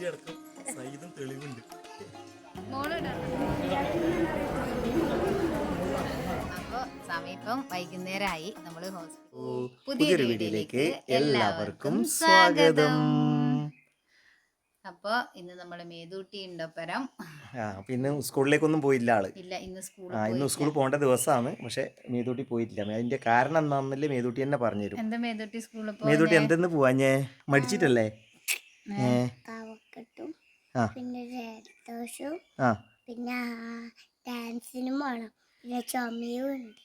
Video അടക്കം സഹിതം തെളിവുണ്ട്. അപ്പൊ സമീപം വൈകുന്നേരമായി. നമ്മള് പുതിയൊരു വീഡിയോയിലേക്ക് എല്ലാവർക്കും സ്വാഗതം. അപ്പൊ ഇന്ന് നമ്മള് മേതൂട്ടി ഉണ്ടൊപ്പരം. പിന്നെ സ്കൂളിലേക്കൊന്നും പോയില്ല ആള്. ഇല്ല, ഇന്ന് ഇന്ന് സ്കൂളിൽ പോകേണ്ട ദിവസമാണ്. പക്ഷെ മേതൂട്ടി പോയിട്ടില്ല. അതിന്റെ കാരണം എന്താണെന്നല്ലേ മേതൂട്ടി തന്നെ പറഞ്ഞുതരും. എന്താ മേതൂട്ടി സ്കൂളിൽ മേതൂട്ടി എന്തെന്ന് പോവാഞ്ഞേ? മടിച്ചിട്ടല്ലേ? പിന്നെ ജലദോഷവും പിന്നെ ഡാൻസിനും വേണം, പിന്നെ ചുമയും ഉണ്ട്.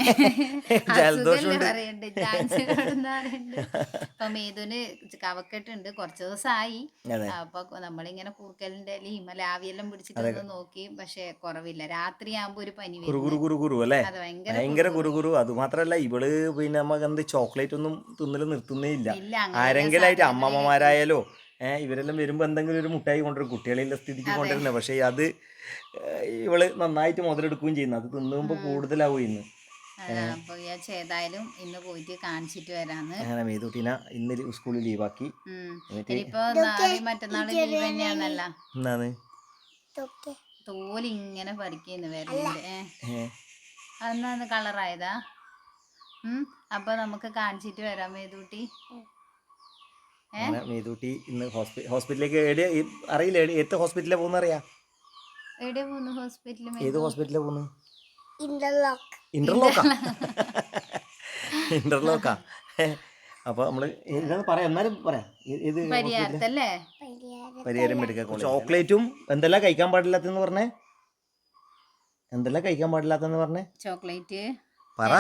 അപ്പൊ മേതുന് കവക്കെട്ടുണ്ട്, കുറച്ച് ദിവസമായി. അപ്പൊ നമ്മളിങ്ങനെ കൂർക്കലിന്റെ ഇലയും ആവിയെല്ലാം പിടിച്ചിട്ടൊന്ന് നോക്കി, പക്ഷെ കുറവില്ല. രാത്രിയാകുമ്പോ ഒരു പനി അല്ലേ? ഭയങ്കര കുറുകുറു. അത് മാത്രല്ല ഇവള് പിന്നെ നമുക്ക് എന്ത് ചോക്ലേറ്റ് ഒന്നും തിന്നല് നിർത്തുന്നേ ഇല്ല. ആരെങ്കിലും ആയിട്ട് അമ്മമ്മമാരായാലോ ഇവരെല്ലാം വരുമ്പോൾ എന്തെങ്കിലും ഒരു മുട്ടായി കൊണ്ടുവരും. കുട്ടികളിലെ സ്ഥിതിക്ക് കൊണ്ടുവരുന്നത്. പക്ഷേ അത് ഇവള് നന്നായിട്ട് മുതലെടുക്കുകയും ചെയ്യുന്നു. അത് തിന്നുമ്പോൾ കൂടുതലാവും ഇന്ന്. അപ്പൊ ഏതായാലും ഇന്ന് പോയിട്ട് കാണിച്ചിട്ട് വരാന്ന്. അങ്ങനെ മേതൂട്ടിനെ ഇന്ന് സ്കൂളിൽ ലീവാക്കി. ഇനിയിപ്പോ നാളെയും മറ്റന്നാളും ലീവ് തന്നെയാണല്ല. എന്താണ് തോലിങ്ങനെ പറിക്കുന്നു വരലുണ്ട്. അന്ന് കളറായതാ. അപ്പൊ നമുക്ക് കാണിച്ചിട്ട് വരാം മേതൂട്ടി. മേതൂട്ടി ഇന്ന് ഹോസ്പിറ്റലിലേക്ക് അറിയില്ല. ഏത് ഹോസ്പിറ്റലിലാണ് പോകുന്ന അറിയാം? ഏത് ഹോസ്പിറ്റലിലാണ് പോകുന്നത്? ഇന്റർലോക്കാ. അപ്പൊ നമ്മള് പറയാം, എന്നാലും പറയാം. ഏത് പരിഹാരം മെഡിക്കൽ കോളേജ്. ചോക്ലേറ്റും എന്തെല്ലാം കഴിക്കാൻ പാടില്ലാത്തെന്ന് പറഞ്ഞേ? എന്തെല്ലാം കഴിക്കാൻ പാടില്ലാത്തെന്ന് പറഞ്ഞേ? ചോക്ലേറ്റ് പറ.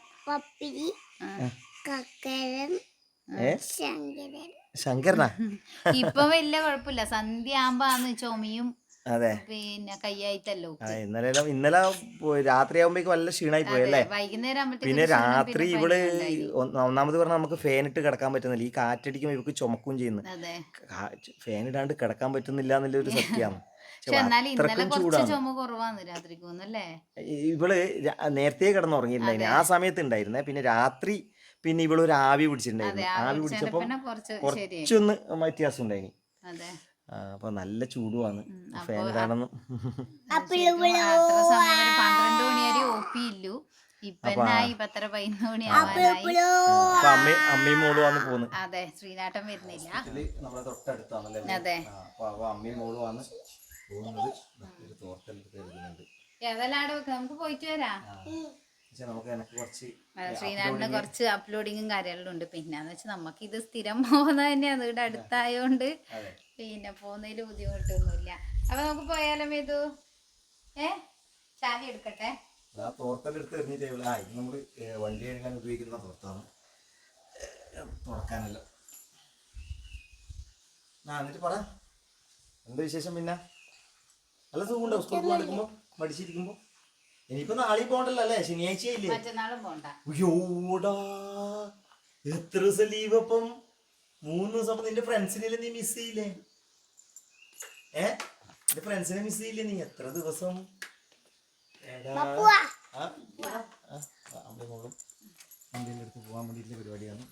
ശങ്കരനാ? ഇപ്പൊ വലിയ കുഴപ്പമില്ല. സന്ധ്യ ആകുമ്പോ ചുമയും പിന്നെ കയ്യായിട്ടല്ലോ. ഇന്നലെ രാത്രി ആകുമ്പോഴേക്ക് വല്ല ക്ഷീണായി പോയല്ലേ? വൈകുന്നേരം പിന്നെ രാത്രി ഇവള് ഒന്നാമത് പറഞ്ഞാൽ നമുക്ക് ഫാൻ ഇട്ട് കിടക്കാൻ പറ്റുന്നില്ല. ഈ കാറ്റടിക്കുമ്പോൾ ഇവക്ക് ചുമക്കും ചെയ്യുന്നു. ഫാൻ ഇടാണ്ട് കിടക്കാൻ പറ്റുന്നില്ല എന്നുള്ളൊരു സത്യമാണ്. ഇവള് നേരത്തെ കിടന്നുറങ്ങിയിട്ടുണ്ടായിരുന്നു. ആ സമയത്ത് ഉണ്ടായിരുന്നേ. പിന്നെ രാത്രി പിന്നെ ഇവളൊരു ആവി പിടിച്ചിട്ടുണ്ടായിരുന്നു. ആവി പിടിച്ചപ്പോ കുറച്ചൊന്ന് വ്യത്യാസം ഉണ്ടായിനി. അപ്പൊ നല്ല ചൂടുമാണ്. ഫാൻ ഇടാണെന്ന് 12 മണി വരെ ഒപ്പിയില്ലു. അമ്മയും മോളും ആണ് പോകുന്നത്. അതെ, ശ്രീനാട്ടം വരുന്നില്ല. നമ്മളെ തൊട്ടടുത്താണല്ലേ? അതെ. അപ്പൊ അമ്മയും മോളും ആണ് പോകുന്നത്. ഏതെല്ലാം നമുക്ക് പോയിട്ട് വരാം. ശ്രീനാടിന് കുറച്ച് അപ്ലോഡിങ്ങും കാര്യങ്ങളും ഉണ്ട്. പിന്നെന്ന് വെച്ചാൽ നമുക്ക് ഇത് സ്ഥിരം പോകുന്നത് തന്നെയാണ്. ഇവിടെ അടുത്തായോണ്ട് പിന്നെ പോകുന്നതിൽ ബുദ്ധിമുട്ടൊന്നുമില്ല. അപ്പൊ നമുക്ക് പോയാലോ മേതു? ചാവി എടുക്കട്ടെ. തോർത്തെടുത്ത് എറിഞ്ഞിട്ട് നമ്മള് വണ്ടി കഴുകാൻ ഉപയോഗിക്കുന്ന തോർത്താണ്. തുറക്കാനല്ലോ. എന്നിട്ട് പറ, എന്താ വിശേഷം? പിന്നെ നല്ല സുഖമുണ്ടോ സ്കൂളിൽ പോകാണ്ടിരിക്കുമ്പോ, മടിച്ചിരിക്കുമ്പോ? ഇനിയിപ്പോ നാളെ പോകണ്ടല്ലോ അല്ലേ? ശനിയാഴ്ചയില്ലേ? മറ്റന്നാളും പോണ്ട. അയ്യോടാ, എത്ര ദിവസം ലീവ്? അപ്പം 3 ദിവസം. നിന്റെ ഫ്രണ്ട്സിനെ നീ മിസ് ചെയ്യില്ലേ? നിന്റെ ഫ്രണ്ട്സിനെ മിസ് ചെയ്യില്ലേ നീ? എത്ര ദിവസം? അമ്മയോളും ഇന്ത്യൻ്റെ അടുത്ത് പോകാൻ വേണ്ടിയിട്ടുള്ള പരിപാടിയാണ്.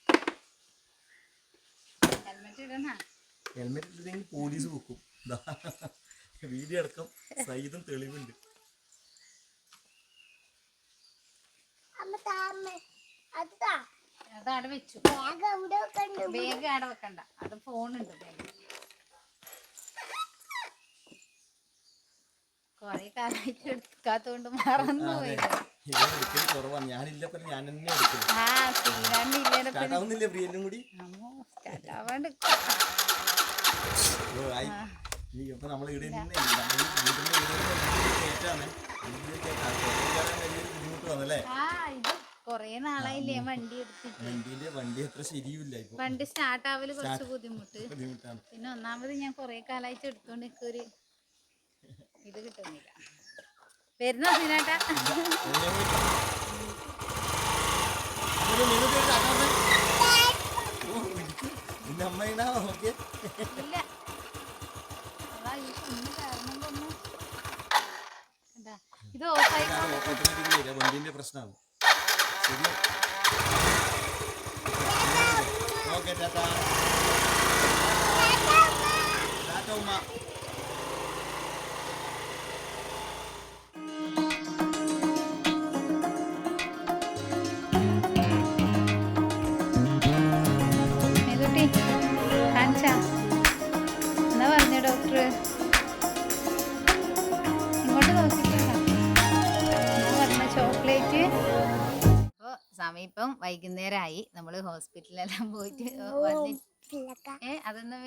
ഹെൽമെറ്റ് ഇട്ടില്ലെങ്കിൽ പോലീസ് വെക്കും. വീഡിയോ അടക്കം സഹിതം തെളിവുണ്ട്. അതവിടെ വെച്ചു. വേഗം അവിടെ വെക്കണ്ട. അത് ഫോണുണ്ട്. കൊറേ കാലമായിട്ട് എടുക്കാത്തോണ്ട് മറന്നു പോയി. കൊറേ നാളായില്ലേ വണ്ടി എടുത്തിട്ട്. വണ്ടി സ്റ്റാർട്ട് ആവല് കുറച്ച് ബുദ്ധിമുട്ടാണ്. പിന്നെ ഒന്നാമത് ഞാൻ കൊറേ കാലമായിട്ട് എടുത്തോണ്ട് എനിക്കൊരു ഇത് കിട്ടുന്നില്ല. വരുന്നോ സീനാട്ടാ? ഇല്ല, ഇത് ഓഫായി വണ്ടിന്റെ പ്രശ്നമാണ്. Okay tata. കഴിച്ചാ എന്നാ പറഞ്ഞ ഡോക്ടർ ഇങ്ങോട്ട് നോക്കിക്കോ എന്നാ പറഞ്ഞ ചോക്ലേറ്റ്. അപ്പോൾ സമയം ഇപ്പം വൈകുന്നേരമായി. നമ്മൾ ഹോസ്പിറ്റലിലെല്ലാം പോയിട്ട് അതൊന്നും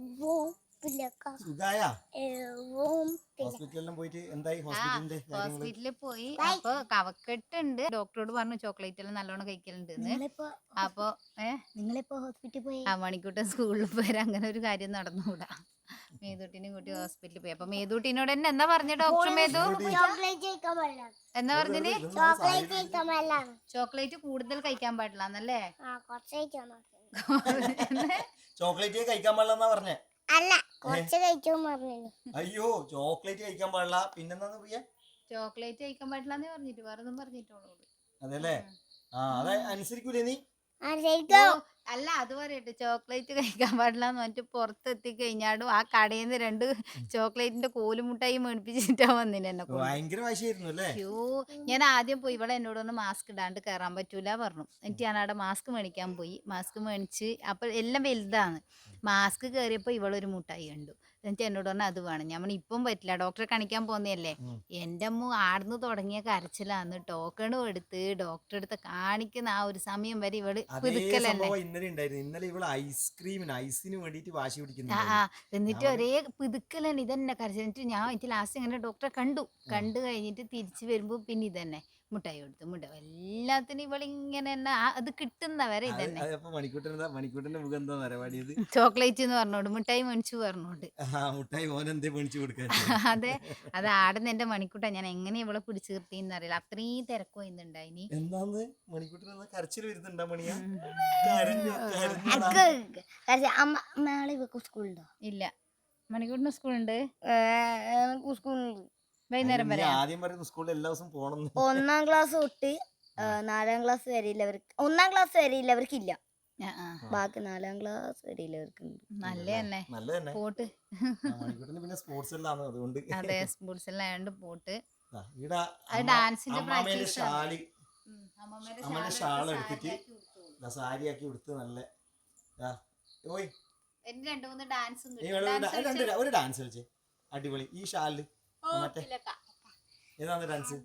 ഹോസ്പിറ്റലിൽ പോയി. അപ്പൊ കവക്കെട്ടുണ്ട്. ഡോക്ടറോട് പറഞ്ഞു ചോക്ലേറ്റ് എല്ലാം നല്ലോണം കഴിക്കലുണ്ട്. അപ്പൊ നിങ്ങളിപ്പോ ഹോസ്പിറ്റലിൽ പോയി മണിക്കൂട്ടൻ സ്കൂളിൽ പോയാൽ അങ്ങനെ ഒരു കാര്യം നടന്നുകൂടാ. മേതൂട്ടിനെ കൂട്ടി ഹോസ്പിറ്റലിൽ പോയി. അപ്പൊ മേതൂട്ടിനോട് തന്നെ എന്നാ പറഞ്ഞ ഡോക്ടർ മേതു എന്നാ പറഞ്ഞിന് ചോക്ലേറ്റ് കൂടുതൽ കഴിക്കാൻ പാടില്ല എന്നല്ലേ? ചോക്ലേറ്റ് കഴിക്കാൻ പാടില്ലെന്നാ പറഞ്ഞേ? അല്ല, കുറച്ച് കഴിക്കാൻ പറഞ്ഞു. അയ്യോ, ചോക്ലേറ്റ് കഴിക്കാൻ പാടില്ല. പിന്നെന്താന്ന് പറയാ? ചോക്ലേറ്റ് കഴിക്കാൻ പാടില്ലെന്ന് പറഞ്ഞിട്ട് വേറെ ഒന്നും പറഞ്ഞിട്ടോളൂ. അതെല്ലേ? അതെ അനുസരിക്കൂലേ നീ? അല്ല, അത് പറയട്ടെ, ചോക്ലേറ്റ് കഴിക്കാൻ പാടില്ലാന്ന് പറഞ്ഞിട്ട് പുറത്തെത്തി കഴിഞ്ഞാടും ആ കടയിൽ നിന്ന് 2 ചോക്ലേറ്റിന്റെ കോലുമുട്ടായി മേടിപ്പിച്ചിട്ടാ വന്നിന് എന്നെ. ഭയങ്കര വാശിയായിരുന്നു അല്ലേ? അയ്യോ, ഞാൻ ആദ്യം പോയി ഇവിടെ എന്നോടൊന്ന് മാസ്ക് ഇടാണ്ട് കയറാൻ പറ്റൂല പറഞ്ഞു. എന്നിട്ട് ഞാൻ അവിടെ മാസ്ക് മേടിക്കാൻ പോയി. മാസ്ക് മേടിച്ച് അപ്പൊ എല്ലാം വലുതാണ്. മാസ്ക് കയറിയപ്പോ ഇവളൊരു മുട്ടായി കണ്ടു. എന്നിട്ട് എന്നോട് പറഞ്ഞാൽ അത് വേണം. ഞാൻ ഇപ്പം പറ്റില്ല, ഡോക്ടറെ കാണിക്കാൻ പോന്നതല്ലേ. എൻ്റെ അമ്മ ആടുന്ന് തുടങ്ങിയ കരച്ചിലാന്ന്. ടോക്കണും എടുത്ത് ഡോക്ടറെ അടുത്ത് കാണിക്കുന്ന ആ ഒരു സമയം വരെ ഇവള് പിതുക്കലല്ലേ. ഇന്നലെ ഇവള് ഐസിന് വേണ്ടിട്ട് വാശി പിടിക്കുന്നു. എന്നിട്ട് ഒരേ പിതുക്കലന്നെ ഇതന്നെ കരച്ചിൽ. എന്നിട്ട് ഞാൻ എനിക്ക് ലാസ്റ്റ് ഇങ്ങനെ ഡോക്ടറെ കണ്ടു കഴിഞ്ഞിട്ട് തിരിച്ചു വരുമ്പോ പിന്നെ ഇതന്നെ മുട്ടായി കൊടുത്തു. എല്ലാത്തിനും ഇവളിങ്ങനെ തന്നെ അത് കിട്ടുന്നവരെ ഇതന്നെ. ചോക്ലേറ്റ് എന്ന് പറഞ്ഞോണ്ട് മുട്ടായി മേടിച്ചു പറഞ്ഞോണ്ട്. അതെ, അത് ആടുന്ന എന്റെ മണിക്കൂട്ട. ഞാൻ എങ്ങനെ ഇവളെ പിടിച്ചു നിർത്തിന്ന് അറിയില്ല. അത്രയും തിരക്കോ ഇന്നുണ്ടായിനി. ഇല്ല, മണിക്കൂട്ടിന് സ്കൂളുണ്ട്. വൈകുന്നേരം വരെ. ആദ്യം പറയുന്ന സ്കൂളിൽ എല്ലാ ദിവസവും പോകണം. 1ാം ക്ലാസ് തൊട്ട് 4ാം ക്ലാസ് വരെ ഇല്ലവർക്ക്. 1ാം ക്ലാസ് വരെ ഇല്ലവർക്കില്ല. ബാക്കി 4ാം ക്ലാസ് വരെ ഇല്ലവർക്ക്. നല്ലതന്നെ പോട്ട്. പിന്നെ സ്പോർട്സ് എല്ലാം അതുകൊണ്ട്. അതെ, സ്പോർട്സ് എല്ലാം ആയതുകൊണ്ട് പോട്ട്. ഡാൻസിന്റെ ഷാൾ എടുത്തിട്ട് സാരിയാക്കി കൊടുത്ത് നല്ല ഒരു ഡാൻസ് കളിച്ചേ. അടിപൊളി. ഈ ഷാളില് മറ്റേ ഏതാണ് ഡാൻസ്?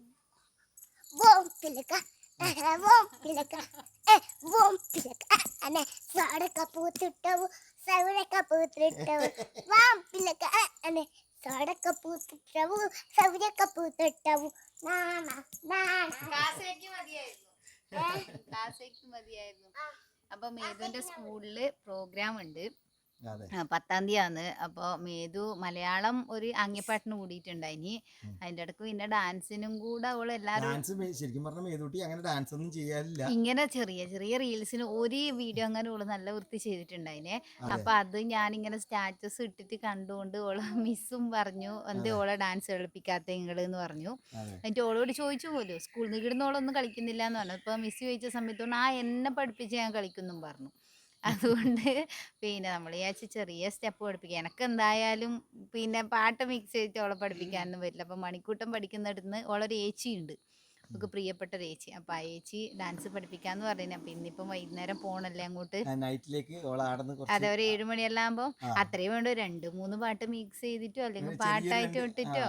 അപ്പൊ മേതുവിന്റെ സ്കൂളില് പ്രോഗ്രാം ഉണ്ട്. 10ാം തീയതിയാണ്. അപ്പോൾ മേതു മലയാളം ഒരു അങ്ങിപ്പാട്ടിന് കൂടിയിട്ടുണ്ടായിനി. അതിന്റെ ഇടക്ക് പിന്നെ ഡാൻസിനും കൂടെ അവള് എല്ലാരും ശരിക്കും പറഞ്ഞ മേതൂട്ടി അങ്ങനെ ഡാൻസ് ഒന്നും ചെയ്യാറില്ല. ഇങ്ങനെ ചെറിയ ചെറിയ റീൽസിന് ഒരു വീഡിയോ അങ്ങനെ ഓള് നല്ല വൃത്തി ചെയ്തിട്ടുണ്ടായിനെ. അപ്പൊ അത് ഞാനിങ്ങനെ സ്റ്റാറ്റസ് ഇട്ടിട്ട് കണ്ടുകൊണ്ട് ഓള് മിസ്സും പറഞ്ഞു എന്തേ ഓളെ ഡാൻസ് കളിപ്പിക്കാത്ത നിങ്ങള് എന്ന് പറഞ്ഞു. എന്നിട്ട് ഓളോട് ചോദിച്ചു പോലും സ്കൂളിൽ നിന്ന് ഇവിടുന്ന് ഓളൊന്നും കളിക്കുന്നില്ല എന്ന് പറഞ്ഞു. ഇപ്പൊ മിസ് ചോദിച്ച സമയത്തോണ്ട് എന്നെ പഠിപ്പിച്ച് ഞാൻ കളിക്കുന്നും പറഞ്ഞു. അതുകൊണ്ട് പിന്നെ നമ്മൾ വിചാരിച്ച് ചെറിയ സ്റ്റെപ്പ് പഠിപ്പിക്കുക. എനിക്ക് എന്തായാലും പിന്നെ പാട്ട് മിക്സ് ചെയ്തിട്ട് ഓളെ പഠിപ്പിക്കാനൊന്നും പറ്റില്ല. അപ്പം മണിക്കൂട്ടം പഠിക്കുന്നിടത്ത് ഓളൊരു ഏച്ചിയുണ്ട്, നമുക്ക് പ്രിയപ്പെട്ട ഒരു ഏച്ചി. അപ്പം ആ ഏച്ചി ഡാൻസ് പഠിപ്പിക്കാന്ന് പറഞ്ഞു. അപ്പം ഇന്നിപ്പം വൈകുന്നേരം പോണല്ലേ അങ്ങോട്ട്. അതെ, ഒരു 7 മണിയെല്ലാം ആകുമ്പോൾ അത്രയും വേണ്ട 2-3 പാട്ട് മിക്സ് ചെയ്തിട്ടോ അല്ലെങ്കിൽ പാട്ടായിട്ട് ഇട്ടിട്ടോ.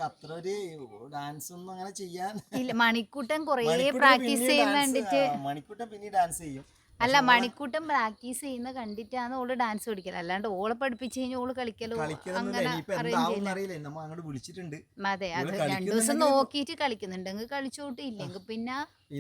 ഇല്ല, മണിക്കൂട്ടം കുറേ പ്രാക്ടീസ് ചെയ്യുന്ന കണ്ടിട്ട്. അല്ല, മണിക്കൂട്ടം പ്രാക്ടീസ് ചെയ്യുന്ന കണ്ടിട്ടാണ് ഓള് ഡാൻസ് പഠിക്കല്. അല്ലാണ്ട് ഓളെ പഠിപ്പിച്ചു കഴിഞ്ഞാൽ ഓള് കളിക്കലോ അങ്ങനെ വിളിച്ചിട്ടുണ്ട്. അതെ, അത് 2 ദിവസം നോക്കിയിട്ട് കളിക്കുന്നുണ്ടെങ്കിൽ കളിച്ചോട്ട്, ഇല്ലെങ്കിൽ പിന്നെ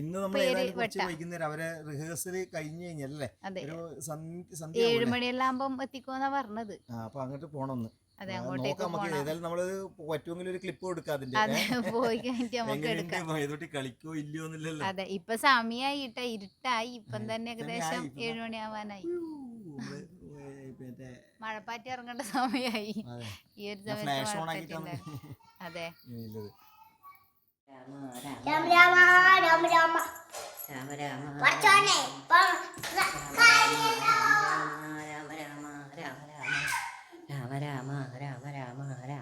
അതെ 7 മണിയെല്ലാം ആകുമ്പം എത്തിക്കോന്നാ പറഞ്ഞത്. അങ്ങോട്ട് പോണം. അതെ, അങ്ങോട്ടേക്ക് പറ്റുമെങ്കിൽ ഒരു ക്ലിപ്പ് കൊടുക്കാം. പോയി കഴിഞ്ഞിട്ട് നമുക്ക് എടുക്കാം. അതെ, ഇപ്പൊ സമയായിട്ട, ഇരുട്ടായി. ഇപ്പം തന്നെ ഏകദേശം 7 മണിയാവാനായി. മഴപ്പാറ്റി ഇറങ്ങേണ്ട സമയായി. ഈ ഒരു സമയത്ത്. അതെ, രാമ രാമ രാമ രാമ രാമ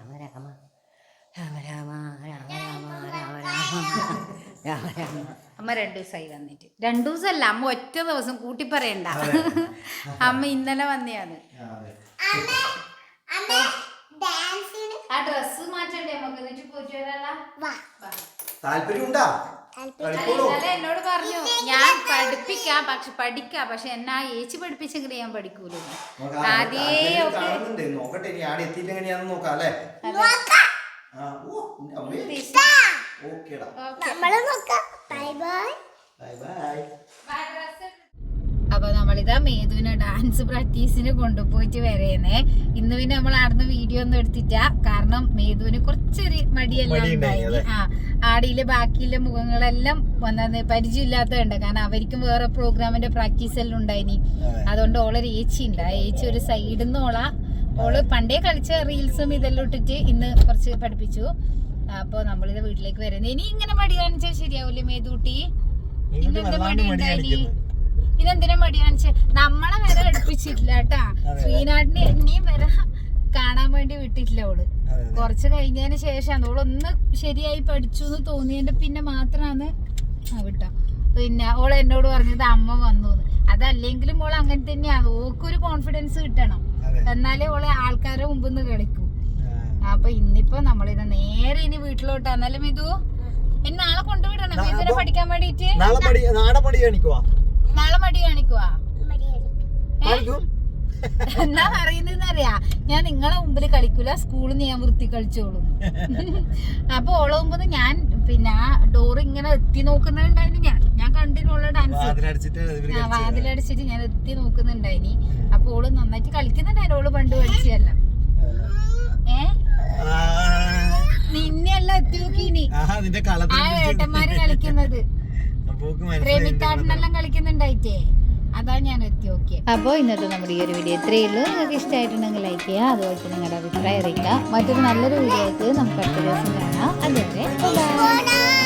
അമ്മ അമ്മ 2 ദിവസമായി വന്നിട്ട്. 2 ദിവസമല്ല, അമ്മ ഒറ്റ ദിവസം കൂട്ടി പറയണ്ട. അമ്മ ഇന്നലെ വന്നെയാണ്. ആ ഡ്രസ് മാറ്റണ്ടേ നമുക്ക്, എന്നിട്ട് പോയിട്ട് വരാലോ. താല്പര്യമുണ്ടാ? ഇന്നലെ എന്നോട് പറഞ്ഞു ഞാൻ പഠിപ്പിക്കാം, പക്ഷെ എന്നാ ഏച്ചി പഠിപ്പിച്ചെങ്കിൽ ഞാൻ പഠിക്കൂല. ആദ്യേ നോക്കട്ടെ, ഇനി ആടെ എത്തിയിട്ട് എങ്ങനെയാന്ന് നോക്കാം അല്ലേ. അപ്പൊ നമ്മളിതാ മേധുവിനെ ഡാൻസ് പ്രാക്ടീസിന് കൊണ്ടുപോയിട്ട് വരേന്നേ. ഇന്ന് പിന്നെ നമ്മൾ ആടുന്ന വീഡിയോ ഒന്നും എടുത്തിട്ട, കാരണം മേധുവിന് കുറച്ചൊരു മടിയെല്ലാം ഉണ്ടായി. ആടിയിലെ ബാക്കിയുള്ള മുഖങ്ങളെല്ലാം വന്നത് പരിചയമില്ലാത്തതുണ്ട്, കാരണം അവർക്കും വേറെ പ്രോഗ്രാമിന്റെ പ്രാക്ടീസ് എല്ലാം ഉണ്ടായിനി. അതുകൊണ്ട് ഓളൊരു ഏച്ചി ഉണ്ട്, ആ ഏച്ചി ഒരു സൈഡിൽ നിന്ന് ഓള് പണ്ടേ കളിച്ച റീൽസും ഇതെല്ലാം ഇട്ടിട്ട് ഇന്ന് കുറച്ച് പഠിപ്പിച്ചു. അപ്പൊ നമ്മളിത് വീട്ടിലേക്ക് വരുന്നത്. ഇനി ഇങ്ങനെ മടി കാണിച്ചാൽ ശരിയാവൂലേ മേധൂട്ടി? ഇന്നെന്താ മടി ഉണ്ടായിനി? ഇതെന്തിനാ മടി കാണിച്ചേ? നമ്മളെ വരെ അടുപ്പിച്ചിട്ടില്ല കേട്ടാ. ശ്രീനാടിനെ എന്നെയും വരെ കാണാൻ വേണ്ടി വിട്ടിട്ടില്ല ഓള്. കുറച്ച് കഴിഞ്ഞതിന് ശേഷം ഓളൊന്ന് ശരിയായി പഠിച്ചു എന്ന് തോന്നിയതിന്റെ പിന്നെ മാത്രമാണ് വിട്ടോ. പിന്നെ ഓള് എന്നോട് പറഞ്ഞത് അമ്മ വന്നു. അതല്ലെങ്കിലും ഓള് അങ്ങനെ തന്നെയാണ്, ഓക്കൊരു കോൺഫിഡൻസ് കിട്ടണം, എന്നാലേ ഓളെ ആൾക്കാരെ മുമ്പിൽ നിന്ന് കളിക്കൂ. അപ്പൊ ഇന്നിപ്പോ നമ്മളിത് നേരെ ഇനി വീട്ടിലോട്ടാന്നല്ലേ മിതു? ഇനി നാളെ കൊണ്ടുവിടണം മിതുനെ പഠിക്കാൻ വേണ്ടിട്ട്. നാളെ മടി കാണിക്കുവാ? എന്നാ പറയുന്നറിയാ, ഞാൻ നിങ്ങളെ മുമ്പിൽ കളിക്കൂല, സ്കൂളിൽ നിന്ന് ഞാൻ വൃത്തി കളിച്ചോളൂ. അപ്പൊ ഓളെ മുമ്പ് ഞാൻ പിന്നെ ആ ഡോറ് ഇങ്ങനെ എത്തി നോക്കുന്നുണ്ടായിരുന്നു. ഞാൻ കണ്ടിന്നുള്ള ഡാൻസ് വാതിലടിച്ചിട്ട് ഞാൻ എത്തി നോക്കുന്നുണ്ടായിനി. അപ്പൊ ഓള് നന്നായിട്ട് കളിക്കുന്നുണ്ടായിരുന്നു. ഓള് പണ്ട് പഠിച്ചല്ല. നിന്നെല്ലാം എത്തി നോക്കിനി ആ ഏട്ടന്മാര് കളിക്കുന്നത്, റെമിത്താട്ടിനെല്ലാം കളിക്കുന്നുണ്ടായിട്ടേ, അതാ ഞാൻ എത്തി നോക്കിയത്. അപ്പോൾ ഇന്നത്തെ നമ്മുടെ ഈ ഒരു വീഡിയോ ഇത്രയേ ഉള്ളൂ. നിങ്ങൾക്ക് ഇഷ്ടമായിട്ടുണ്ടെങ്കിൽ ലൈക്ക് ചെയ്യുക, അതുപോലെ തന്നെ നിങ്ങളുടെ അഭിപ്രായം അറിയിക്കുക. മറ്റൊരു നല്ലൊരു വീഡിയോ ആയിട്ട് നമുക്ക് അടുത്ത ദിവസം കാണാം. അതുവരെ ബൈ.